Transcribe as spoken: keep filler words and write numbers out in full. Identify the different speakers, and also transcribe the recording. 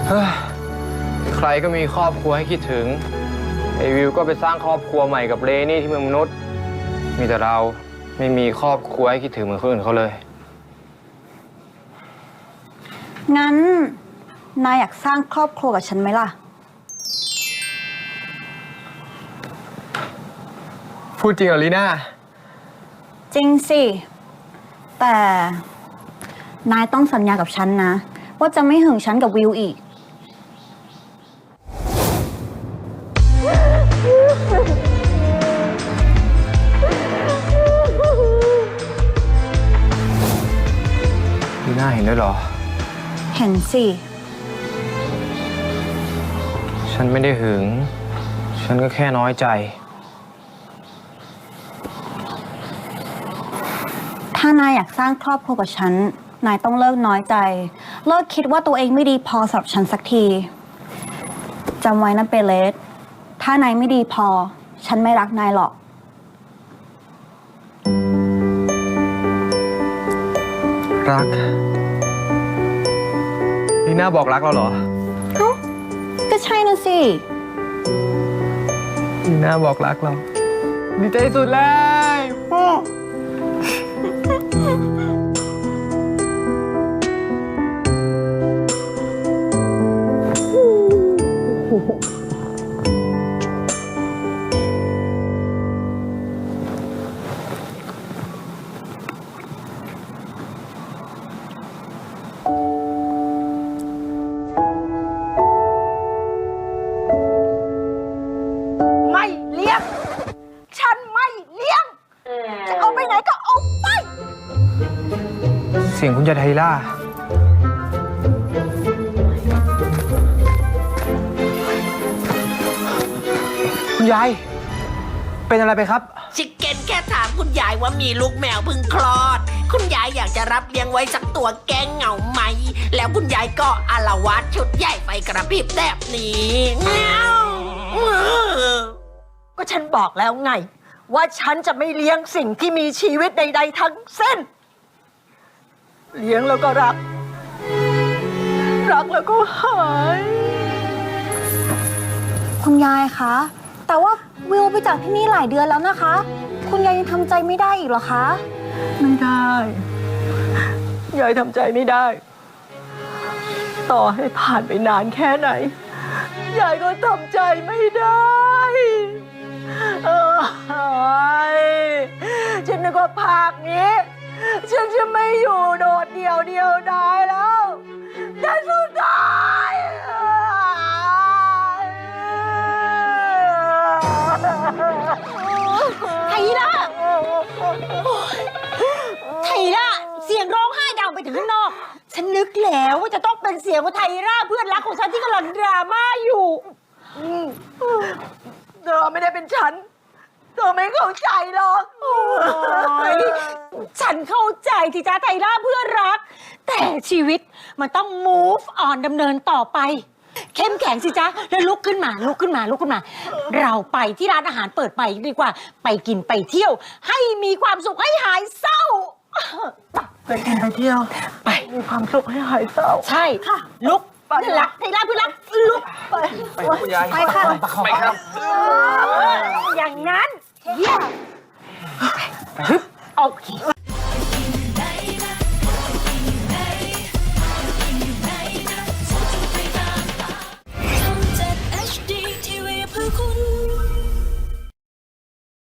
Speaker 1: ใครก็มีครอบครัวให้คิดถึงไอวิวก็ไปสร้างครอบครัวใหม่กับเรนี่ที่เมืองมนุษย์มีแต่เราไม่มีครอบครัวให้คิดถึงเหมือนคนอื่นเขาเลย
Speaker 2: งั้นนายอยากสร้างครอบครัวกับฉันไหมล่ะ
Speaker 1: พูดจริงเหรอลีน่า
Speaker 2: จริงสิแต่นายต้องสัญญากับฉันนะว่าจะไม่หึงฉันกับวิวอีก
Speaker 1: ลีน่าเห็นด้วยเหรอ
Speaker 2: เห็นสิ
Speaker 1: ฉันไม่ได้หึงฉันก็แค่น้อยใจ
Speaker 2: ถ้านายอยากสร้างครอบครัวกับฉันนายต้องเลิกน้อยใจเลิกคิดว่าตัวเองไม่ดีพอสำหรับฉันสักทีจำไว้นะเปเลสถ้านายไม่ดีพอฉันไม่รักนายหรอก
Speaker 1: รักลีน่าบอกรักเราเหรอ
Speaker 2: เอ้าก็ใช่นะสิ
Speaker 1: ลีน่าบอกรักเราดีใจสุดเลย
Speaker 3: ไม่เลี้ยงฉันไม่เลี้ยงจะเอาไปไหนก็เอาไป
Speaker 1: เสียงคุณยายไทล่าคุณยายเป็นอะไรไปครับ
Speaker 4: ชิคเก้นแค่ถามคุณยายว่ามีลูกแมวเพิ่งคลอดคุณยายอยากจะรับเลี้ยงไว้สักตัวแก้เหงาไหมแล้วคุณยายก็อาละวาดชุดใหญ่ไฟกระพริบแบบนี้เงา
Speaker 3: ก็ฉันบอกแล้วไงว่าฉันจะไม่เลี้ยงสิ่งที่มีชีวิตใดๆทั้งสิ้นเลี้ยงแล้วก็รักรักแล้วก็หาย
Speaker 2: คุณยายคะแต่ว่าวิวไปจากที่นี่หลายเดือนแล้วนะคะคุณยายยังทำใจไม่ได้อีกเหรอคะ
Speaker 3: ไม่ได้ยายทำใจไม่ได้ต่อให้ผ่านไปนานแค่ไหนยายก็ทำใจไม่ได้เออฉันนึกว่าภาคนี้ฉันจะไม่อยู่โดดเดี่ยวเดียวดายแล้วแต่สุดท้าย
Speaker 5: ไทล่าไทล่าเสียงร้องไห้ดังไปถึงข้างนอกฉันนึกแล้วว่าจะต้องเป็นเสียงของไทล่าเพื่อนรักของฉันที่กำลังดราม่าอยู่
Speaker 3: เธอไม่ได้เป็นฉันเธอไม่เข้าใจหรอก
Speaker 5: ฉันเข้าใจที่จ้าไทล่าเพื่อนรักแต่ชีวิตมันต้อง move on ดำเนินต่อไปเข้มแข็งสิจ๊ะแล้วลุกขึ้นมาลุกขึ้นมาลุกขึ้นมาเราไปที่ร้านอาหารเปิดไปดีกว่าไปกินไปเที่ยวให้มีความสุขให้หายเศร้า
Speaker 3: ไปกินไปเที่ยวไปมีความสุขให้หายเศร้า
Speaker 5: ใช่ค่ะลุกเพื่อนรักไทล่าเพื่อนรักลุก
Speaker 1: ไปคุณยาย
Speaker 2: ไปค่ะ
Speaker 1: ไปครับ
Speaker 5: อย่างนั้นเยี่ยมโอเค